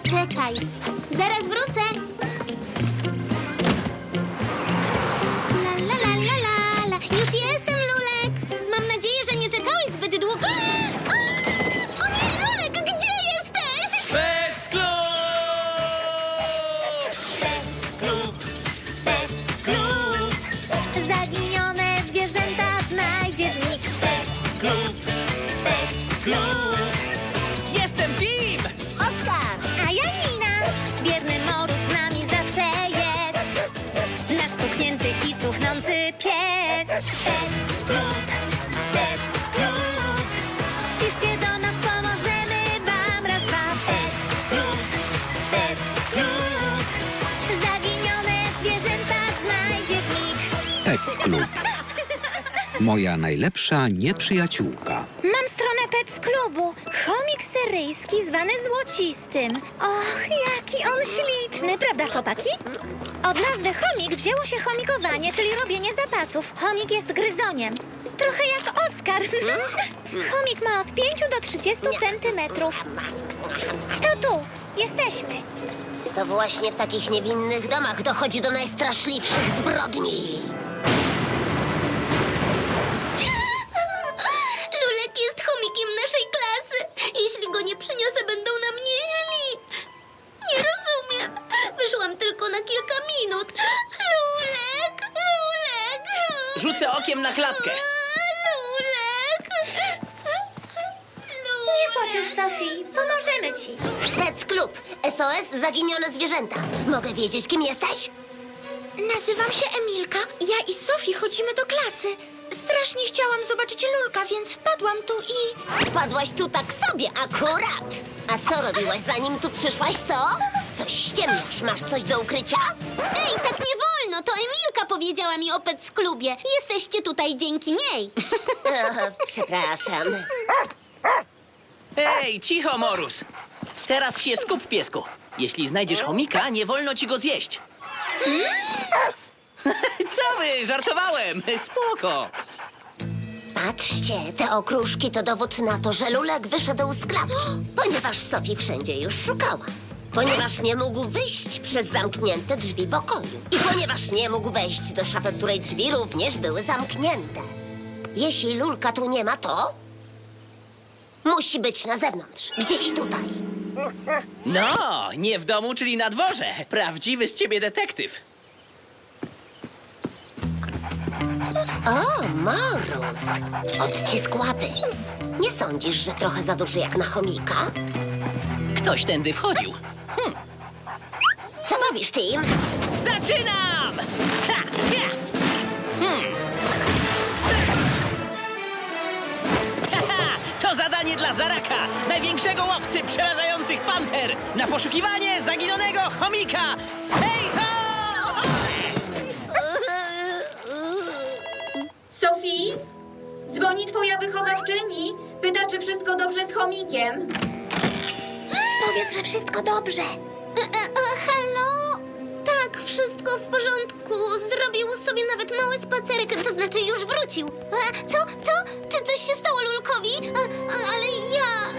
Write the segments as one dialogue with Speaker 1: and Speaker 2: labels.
Speaker 1: Czekaj, zaraz wrócę. La la la la la la. Już jestem, Lulek. Mam nadzieję, że nie czekałeś zbyt długo. O nie, Lulek, gdzie jesteś?
Speaker 2: Pec Club!
Speaker 3: Pec Club. Zaginione zwierzęta znajdzie w nich. Pec Club.
Speaker 2: Jestem Tim!
Speaker 3: Oskar! A ja Nina. Biedny Morus z nami zawsze jest. Nasz stuknięty i cuchnący pies. Pec Club. Pec Club. Piszcie do nas, pomożemy wam. Raz, dwa. Pec Club. Pec Club. Zaginione zwierzęta znajdzie w nich.
Speaker 4: Pec Club. Moja najlepsza nieprzyjaciółka.
Speaker 3: Mam stronę Pec Clubu. Chomik syryjski zwany Złocistym. Och, jaki on śliczny, prawda chłopaki? Od nazwy chomik wzięło się chomikowanie, czyli robienie zapasów. Chomik jest gryzoniem. Trochę jak Oskar. Chomik ma od 5 do 30 centymetrów. To tu, jesteśmy.
Speaker 5: To właśnie w takich niewinnych domach dochodzi do najstraszliwszych zbrodni.
Speaker 1: Lulek jest chomikiem naszej klasy. Jeśli go nie przyniosę, będą na mnie źli. Nie rozumiem. Wyszłam tylko na kilka minut. Lulek, Lulek.
Speaker 2: Rzucę okiem na klatkę.
Speaker 1: Lulek.
Speaker 3: Nie płacz już, Sofii. Pomożemy ci.
Speaker 5: Pec Club. SOS Zaginione Zwierzęta. Mogę wiedzieć, kim jesteś?
Speaker 1: Nazywam się Emilka. Ja i Sofii chodzimy do klasy. Strasznie chciałam zobaczyć Lulka, więc wpadłam tu i...
Speaker 5: Wpadłaś tu tak sobie akurat. A co robiłaś, zanim tu przyszłaś, co? Coś ściemniasz. Masz coś do ukrycia?
Speaker 1: Ej, tak nie wolno! To Emilka powiedziała mi o Pec Clubie. Jesteście tutaj dzięki niej.
Speaker 5: Przepraszam.
Speaker 2: Ej, cicho, Morus. Teraz się skup, piesku. Jeśli znajdziesz chomika, nie wolno ci go zjeść. Co wy? Żartowałem. Spoko.
Speaker 5: Patrzcie, te okruszki to dowód na to, że Lulek wyszedł z klatki, ponieważ Sofii wszędzie już szukała. Ponieważ nie mógł wyjść przez zamknięte drzwi pokoju. I ponieważ nie mógł wejść do szafy, której drzwi również były zamknięte. Jeśli Lulka tu nie ma, to... musi być na zewnątrz, gdzieś tutaj.
Speaker 2: No, nie w domu, czyli na dworze. Prawdziwy z ciebie detektyw.
Speaker 5: O, Morus! Odcisk łapy. Nie sądzisz, że trochę za duży jak na chomika?
Speaker 2: Ktoś tędy wchodził.
Speaker 5: Co robisz, Tim?
Speaker 2: Zaczynam! Ha, ja! Haha, to zadanie dla Zaraka, największego łowcy przerażających panter, na poszukiwanie zaginionego chomika! Hej, ho!
Speaker 6: Sofii? Dzwoni twoja wychowawczyni. Pyta, czy wszystko dobrze z chomikiem.
Speaker 3: Powiedz, że wszystko dobrze.
Speaker 1: Halo? Tak, wszystko w porządku. Zrobił sobie nawet mały spacerek, to znaczy już wrócił. Co? Czy coś się stało Lulkowi? Ale ja...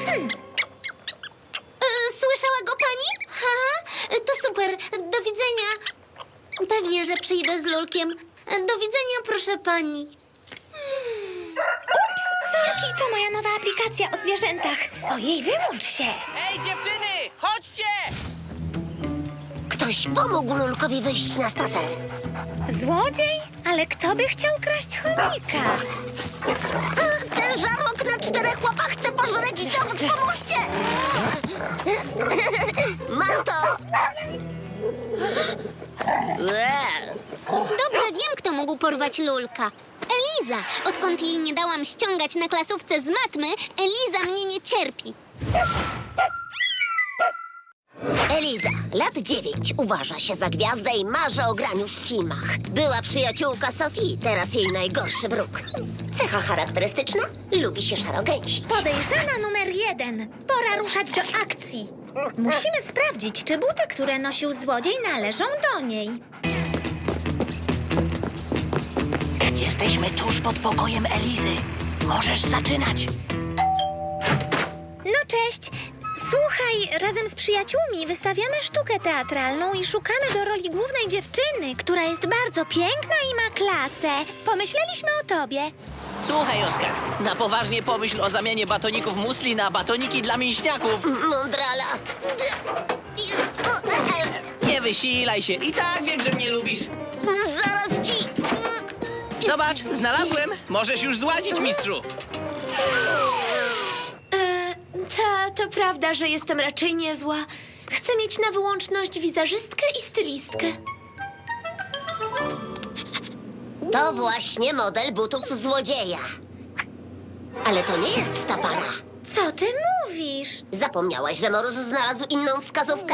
Speaker 1: Słyszała go pani? To super. Do widzenia. Pewnie, że przyjdę z Lulkiem. Do widzenia, proszę pani.
Speaker 3: Ups, sorki, to moja nowa aplikacja o zwierzętach. Ojej, wyłącz się.
Speaker 2: Ej, dziewczyny, chodźcie!
Speaker 5: Ktoś pomógł Lulkowi wyjść na spacer.
Speaker 3: Złodziej? Ale kto by chciał kraść chomika?
Speaker 5: Ten żarłok na 4 łapach chce pożreć dowód, pomóżcie! Mam to!
Speaker 1: Dobrze wiem, kto mógł porwać Lulka. Eliza. Odkąd jej nie dałam ściągać na klasówce z matmy, Eliza mnie nie cierpi.
Speaker 5: Eliza, lat 9, uważa się za gwiazdę i marzy o graniu w filmach. Była przyjaciółka Sofii, teraz jej najgorszy wróg. Cecha charakterystyczna? Lubi się szarogęsić.
Speaker 3: Podejrzana numer 1. Pora ruszać do akcji. Musimy sprawdzić, czy buty, które nosił złodziej, należą do niej.
Speaker 2: Jesteśmy tuż pod pokojem Elizy. Możesz zaczynać.
Speaker 3: No cześć. Słuchaj, razem z przyjaciółmi wystawiamy sztukę teatralną i szukamy do roli głównej dziewczyny, która jest bardzo piękna i ma klasę. Pomyśleliśmy o tobie.
Speaker 2: Słuchaj, Oskar, na poważnie pomyśl o zamianie batoników musli na batoniki dla mięśniaków.
Speaker 5: Mądrala.
Speaker 2: Nie wysilaj się. I tak wiem, że mnie lubisz.
Speaker 5: Zaraz ci...
Speaker 2: Zobacz, znalazłem. Możesz już złazić, mistrzu.
Speaker 7: To prawda, że jestem raczej niezła. Chcę mieć na wyłączność wizerzystkę i stylistkę.
Speaker 5: To właśnie model butów złodzieja. Ale to nie jest ta para.
Speaker 3: Co ty mówisz?
Speaker 5: Zapomniałaś, że Morus znalazł inną wskazówkę?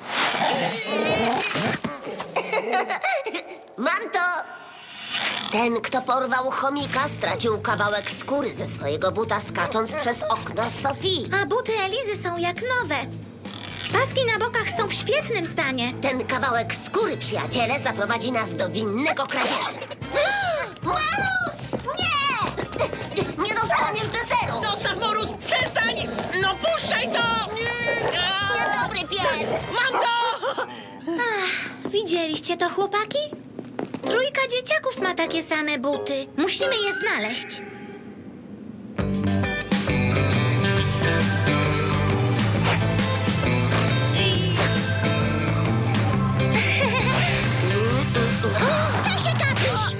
Speaker 5: Mam to! Ten, kto porwał chomika, stracił kawałek skóry ze swojego buta, skacząc przez okno Sofii.
Speaker 3: A buty Elizy są jak nowe. Paski na bokach są w świetnym stanie.
Speaker 5: Ten kawałek skóry, przyjaciele, zaprowadzi nas do winnego kradzieży. Morus! Nie! Nie dostaniesz deseru!
Speaker 2: Zostaw, Morus! Przestań! No puszczaj to!
Speaker 5: Niedobry pies!
Speaker 2: Mam to!
Speaker 3: Widzieliście to, chłopaki? Trójka dzieciaków ma takie same buty. Musimy je znaleźć.
Speaker 5: Co się gapisz?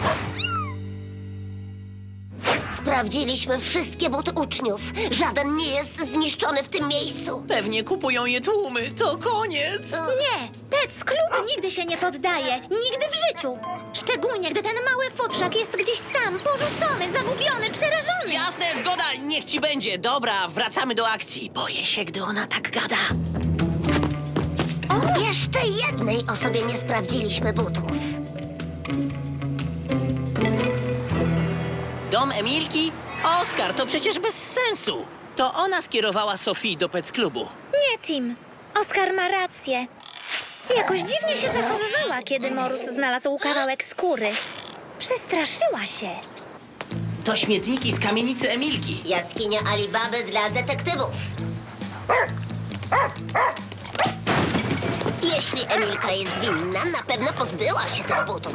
Speaker 5: Sprawdziliśmy wszystkie buty uczniów. Żaden nie jest zniszczony w tym miejscu.
Speaker 2: Pewnie kupują je tłumy. To koniec.
Speaker 3: Nie, Pets Club nigdy się nie poddaje. Nigdy w życiu. Szczególnie, gdy ten mały futrzak jest gdzieś sam, porzucony, zagubiony, przerażony.
Speaker 2: Jasne, zgoda. Niech ci będzie. Dobra, wracamy do akcji. Boję się, gdy ona tak gada.
Speaker 5: Jeszcze jednej osobie nie sprawdziliśmy butów.
Speaker 2: Dom Emilki? Oskar, to przecież bez sensu. To ona skierowała Sofii do Pets Klubu.
Speaker 3: Nie, Tim. Oskar ma rację. Jakoś dziwnie się zachowywała, kiedy Morus znalazł kawałek skóry. Przestraszyła się.
Speaker 2: To śmietniki z kamienicy Emilki.
Speaker 5: Jaskinia Alibaby dla detektywów. Jeśli Emilka jest winna, na pewno pozbyła się tych butów.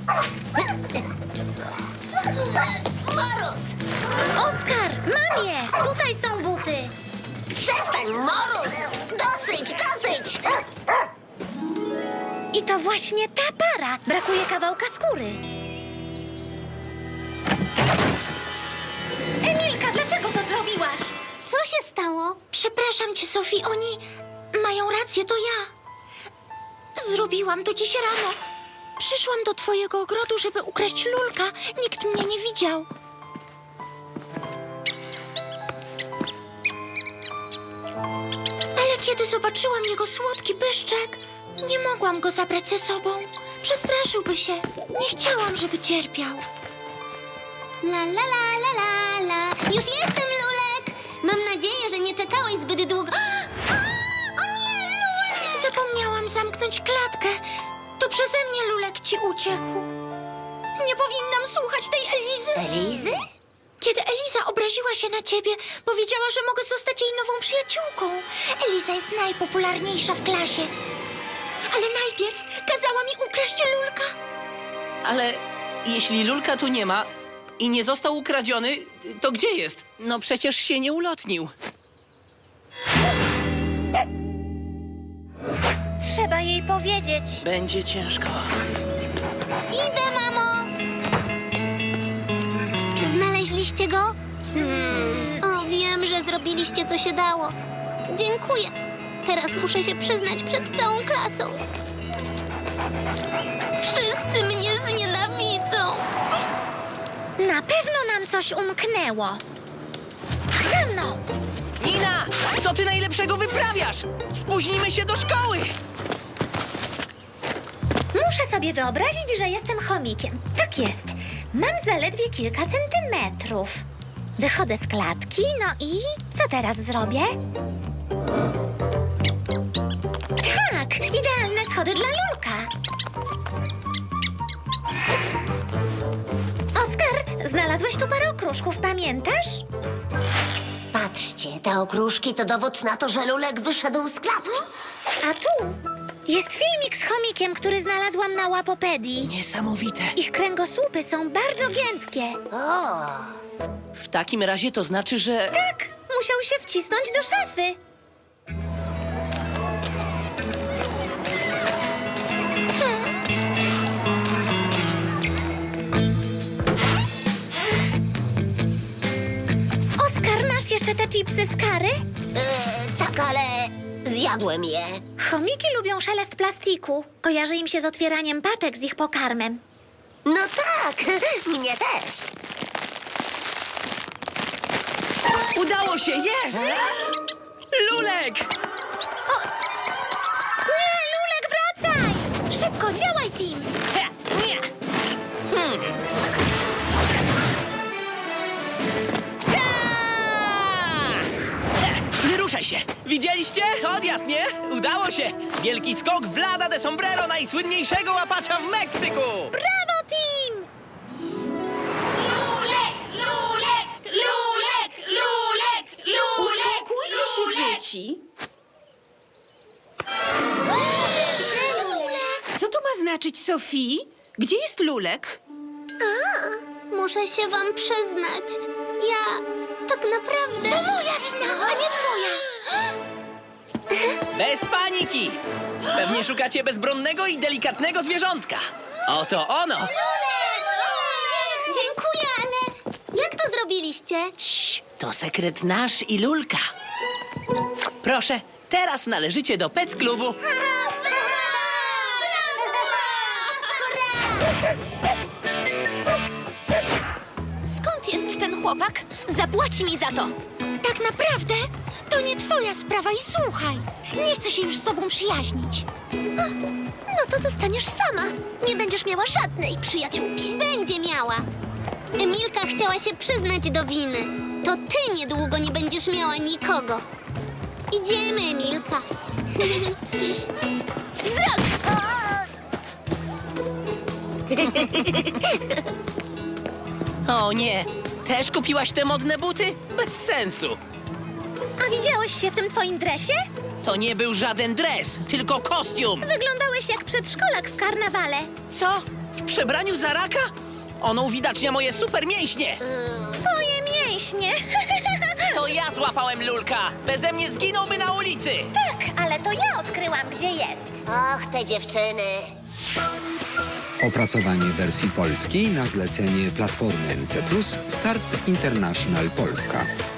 Speaker 5: Morus!
Speaker 3: Oskar, mam je! Tutaj są buty.
Speaker 5: Przestań, Morus! Dosyć, dosyć!
Speaker 3: I to właśnie ta para. Brakuje kawałka skóry. Emilka, dlaczego to zrobiłaś?
Speaker 1: Co się stało?
Speaker 7: Przepraszam cię, Sofii, oni mają rację, to ja. Zrobiłam to dziś rano. Przyszłam do twojego ogrodu, żeby ukraść lulka. Nikt mnie nie widział. Ale kiedy zobaczyłam jego słodki pyszczek, nie mogłam go zabrać ze sobą. Przestraszyłby się. Nie chciałam, żeby cierpiał.
Speaker 1: La la la la la la. Już jestem, Lulek. Mam nadzieję, że nie czekałeś zbyt długo. O nie, Lulek!
Speaker 7: Zapomniałam zamknąć klatkę. To przeze mnie Lulek ci uciekł. Nie powinnam słuchać tej Elizy.
Speaker 5: Elizy?
Speaker 7: Kiedy Eliza obraziła się na ciebie, powiedziała, że mogę zostać jej nową przyjaciółką. Eliza jest najpopularniejsza w klasie. Ale najpierw kazała mi ukraść Lulka.
Speaker 2: Ale jeśli Lulka tu nie ma i nie został ukradziony, to gdzie jest? No przecież się nie ulotnił.
Speaker 3: Trzeba jej powiedzieć.
Speaker 2: Będzie ciężko.
Speaker 1: Idę, mamo. Znaleźliście go? O, wiem, że zrobiliście, co się dało. Dziękuję. Teraz muszę się przyznać przed całą klasą. Wszyscy mnie znienawidzą.
Speaker 3: Na pewno nam coś umknęło. Za mną!
Speaker 2: Nina, co ty najlepszego wyprawiasz? Spóźnimy się do szkoły!
Speaker 3: Muszę sobie wyobrazić, że jestem chomikiem. Tak jest. Mam zaledwie kilka centymetrów. Wychodzę z klatki, no i co teraz zrobię? Tak, idealne schody dla Lulka. Oskar, znalazłeś tu parę okruszków, pamiętasz?
Speaker 5: Patrz Patrzcie, te okruszki to dowód na to, że Lulek wyszedł z klatki.
Speaker 3: A tu jest filmik z chomikiem, który znalazłam na Łapopedii.
Speaker 2: Niesamowite.
Speaker 3: Ich kręgosłupy są bardzo giętkie.
Speaker 5: O,
Speaker 2: W takim razie to znaczy, że...
Speaker 3: Tak, musiał się wcisnąć do szafy. Oskar, masz jeszcze te chipsy z kary?
Speaker 5: tak, ale zjadłem je.
Speaker 3: Chomiki lubią szelest plastiku. Kojarzy im się z otwieraniem paczek z ich pokarmem.
Speaker 5: No tak, mnie też.
Speaker 2: Udało się, jest! Lulek!
Speaker 3: Nie, Lulek, wracaj! Szybko, działaj, Tim!
Speaker 2: Ha, nie. Nie ruszaj się! Widzieliście? Odjazd, nie? Udało się! Wielki skok Vlada de Sombrero, najsłynniejszego łapacza w Meksyku!
Speaker 3: Brawo, Tim!
Speaker 1: Lulek, Lulek, Lulek, Lulek, Lulek!
Speaker 8: Uspokójcie się, dzieci. Co to ma znaczyć, Sofii? Gdzie jest Lulek?
Speaker 1: Muszę się wam przyznać. Ja tak naprawdę... To moja wina, a nie twoja!
Speaker 2: Bez paniki! Pewnie szukacie bezbronnego i delikatnego zwierzątka. Oto ono!
Speaker 1: Dziękuję, ale jak to zrobiliście?
Speaker 2: Cii, to sekret nasz i Lulka. Proszę, teraz należycie do Pec Klubu.
Speaker 7: Skąd jest ten chłopak? Zapłaci mi za to. Tak naprawdę to nie twoja sprawa i słuchaj. Nie chcę się już z tobą przyjaźnić.
Speaker 1: No to zostaniesz sama. Nie będziesz miała żadnej przyjaciółki. Będzie miała. Emilka chciała się przyznać do winy. To ty niedługo nie będziesz miała nikogo. Idziemy, Emilka.
Speaker 2: O nie, też kupiłaś te modne buty? Bez sensu.
Speaker 3: A widziałeś się w tym twoim dresie?
Speaker 2: To nie był żaden dres, tylko kostium.
Speaker 3: Wyglądałeś jak przedszkolak w karnawale.
Speaker 2: Co? W przebraniu za raka? Ono uwidacznia moje super mięśnie.
Speaker 3: Twoje mięśnie.
Speaker 2: To ja złapałem Lulka. Beze mnie zginąłby na ulicy.
Speaker 3: Tak, ale to ja odkryłam, gdzie jest.
Speaker 5: Och, te dziewczyny.
Speaker 4: Opracowanie wersji polskiej na zlecenie Platformy NC+, Start International Polska.